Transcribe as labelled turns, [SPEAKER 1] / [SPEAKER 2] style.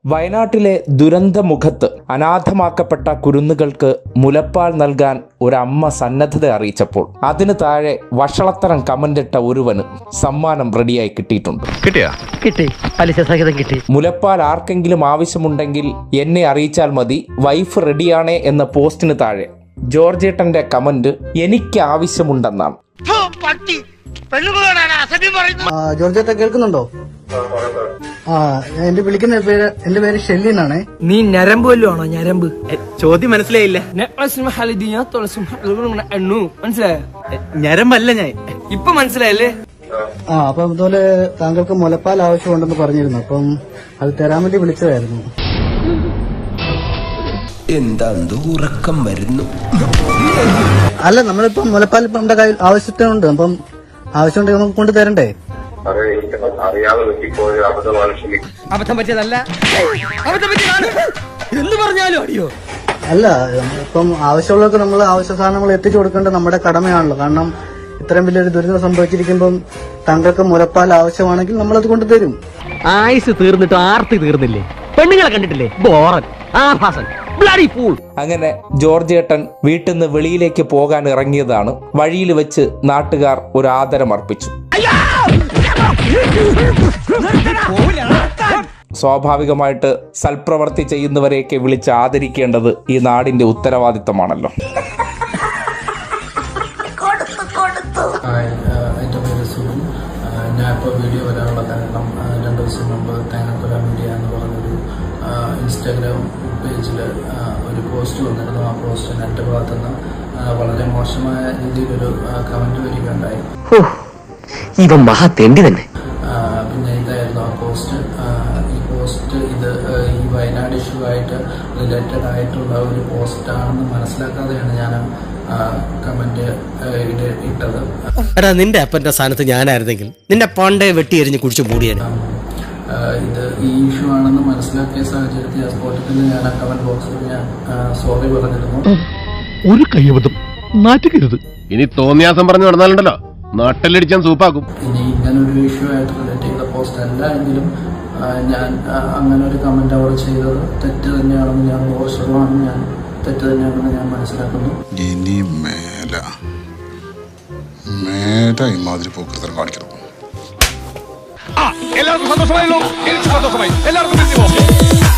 [SPEAKER 1] വയനാട്ടിലെ ദുരന്തമുഖത്ത് അനാഥമാക്കപ്പെട്ട കുരുന്നുകൾക്ക് മുലപ്പാൽ നൽകാൻ ഒരമ്മ സന്നദ്ധത അറിയിച്ചപ്പോൾ അതിന് താഴെ വഷളത്തരം കമന്റിട്ട ഒരുവന് സമ്മാനം റെഡിയായി കിട്ടിയിട്ടുണ്ട്. മുലപ്പാൽ ആർക്കെങ്കിലും ആവശ്യമുണ്ടെങ്കിൽ എന്നെ അറിയിച്ചാൽ മതി, വൈഫ് റെഡിയാണേ എന്ന പോസ്റ്റിന് താഴെ ജോർജേട്ടന്റെ കമന്റ് എനിക്ക് ആവശ്യമുണ്ടെന്നാണ്.
[SPEAKER 2] ജോർജേട്ട കേൾക്കുന്നുണ്ടോ? എന്റെ വിളിക്കുന്ന എന്റെ പേര് ഷെല്ലി എന്നാണ്.
[SPEAKER 3] നീ ഞരമ്പ് വല്ലതും ആണോ? ഞരമ്പ്
[SPEAKER 4] ചോദ്യം മനസ്സിലായില്ല.
[SPEAKER 3] മനസ്സിലായോ?
[SPEAKER 4] ഞരമ്പല്ല ഞാൻ.
[SPEAKER 3] ഇപ്പൊ മനസ്സിലായല്ലേ?
[SPEAKER 2] അപ്പം ഇതുപോലെ താങ്കൾക്ക് മുലപ്പാൽ ആവശ്യമുണ്ടെന്ന് പറഞ്ഞിരുന്നു. അപ്പം അത് തരാൻ വേണ്ടി വിളിച്ചതായിരുന്നു.
[SPEAKER 5] എന്താ ഉറക്കം വരുന്നു?
[SPEAKER 2] അല്ല, നമ്മളിപ്പം മുലപ്പാൽ ഇപ്പം നമ്മുടെ കയ്യിൽ ആവശ്യത്തിനുണ്ട്. അപ്പം ആവശ്യമുണ്ടെങ്കിൽ നമുക്ക് കൊണ്ട് തരണ്ടേ?
[SPEAKER 3] അബദ്ധം പറ്റിയതല്ല, എന്ന് പറഞ്ഞാലും അടിയോ?
[SPEAKER 2] അല്ല, ഇപ്പം ആവശ്യമുള്ളവർക്ക് നമ്മൾ ആവശ്യ സാധനങ്ങൾ എത്തിച്ചു കൊടുക്കേണ്ടത് നമ്മുടെ കടമയാണല്ലോ. കാരണം ഇത്രയും വലിയൊരു ദുരിതം സംഭവിച്ചിരിക്കുമ്പം താങ്കൾക്ക് മുലപ്പാൽ ആവശ്യമാണെങ്കിൽ നമ്മളത് കൊണ്ടുതരും.
[SPEAKER 4] ആയുസ് തീർന്നിട്ട് ആർത്തി തീർന്നില്ലേ? പെണ്ണുങ്ങളെ കണ്ടിട്ടില്ലേ? ബോറൻ ആഭാസൻ.
[SPEAKER 1] അങ്ങനെ ജോർജേട്ടൻ വീട്ടിൽ നിന്ന് വെളിയിലേക്ക് പോകാൻ ഇറങ്ങിയതാണ്. വഴിയിൽ വെച്ച് നാട്ടുകാർ ഒരു ആദരമർപ്പിച്ചു. സ്വാഭാവികമായിട്ട് സൽപ്രവർത്തി ചെയ്യുന്നവരെയൊക്കെ വിളിച്ച് ആദരിക്കേണ്ടത് ഈ നാടിന്റെ ഉത്തരവാദിത്തമാണല്ലോ.
[SPEAKER 6] എൻ്റെ പേര് സുനിൽ. ഞാൻ ഇപ്പോൾ വീഡിയോ വരാനുള്ള കാരണം 2 ദിവസം മുമ്പ് തേങ്ങാക്കൊല മീഡിയ എന്ന് പറഞ്ഞൊരു ഇൻസ്റ്റാഗ്രാം പേജിൽ ഒരു പോസ്റ്റ് വന്നിരുന്നു. ആ പോസ്റ്റിന് എൻ്റെ ഭാഗത്തുനിന്ന് വളരെ മോശമായ രീതിയിലൊരു കമൻറ്റ് വരികയുണ്ടായി.
[SPEAKER 4] ഇവൻ മഹാ തെണ്ടി തന്നെ.
[SPEAKER 6] പിന്നെ ഇതായിരുന്നു ആ പോസ്റ്റ്. ഈ പോസ്റ്റ് ഈ വയനാട് ഇഷ്യൂ ആയിട്ട് റിലേറ്റഡ് ആയിട്ടുള്ള ഒരു പോസ്റ്റാണെന്ന് മനസ്സിലാക്കാതെയാണ് ഞാൻ കമന്റ് ഇട്ടത്.
[SPEAKER 7] എടാ, നിന്റെ അപ്പന്റെ സ്ഥാനത്ത് ഞാനായിരുന്നെങ്കിൽ നിന്റെ പണ്ടേ വെട്ടി എറിഞ്ഞ് കുടിച്ചു മൂടിയാണ്.
[SPEAKER 6] ഇത് ഈ ഇഷ്യൂ ആണെന്ന് മനസ്സിലാക്കിയ സാഹചര്യത്തിൽ ആ സ്പോട്ടിൽ തന്നെ ഞാൻ ആ കമന്റ് ബോക്സിൽ ഞാൻ സോറി പറഞ്ഞിരുന്നു.
[SPEAKER 8] ഒരു കയ്യബദ്ധം നാറ്റുകരുത്.
[SPEAKER 9] ഇനി തോന്നിയാസം പറഞ്ഞു നടന്നാലുണ്ടല്ലോ നാട്ടിലടിച്ചാൻ സൂപ്പാക്കും.
[SPEAKER 6] ഇനി ഇങ്ങനൊരു ഇഷ്യൂ ആയിട്ട് റിലേറ്റ് ചെയ്ത പോസ്റ്റ് അല്ല എങ്കിലും ഞാൻ അങ്ങനെ ഒരു കമന്റ് അവിടെ ചെയ്തത് തെറ്റ് തന്നെയാണെന്ന് ഞാൻ മോശമാണെന്ന് ഞാൻ തെറ്റ് തന്നെയാണെന്ന് ഞാൻ മനസ്സിലാക്കുന്നു.
[SPEAKER 10] ഇനി മേല ഇമാതിരി പോക്കൃതം കാണിക്കണം.
[SPEAKER 8] എല്ലാവർക്കും സന്തോഷമായല്ലോ. എനിക്ക് സന്തോഷമായി. എല്ലാവർക്കും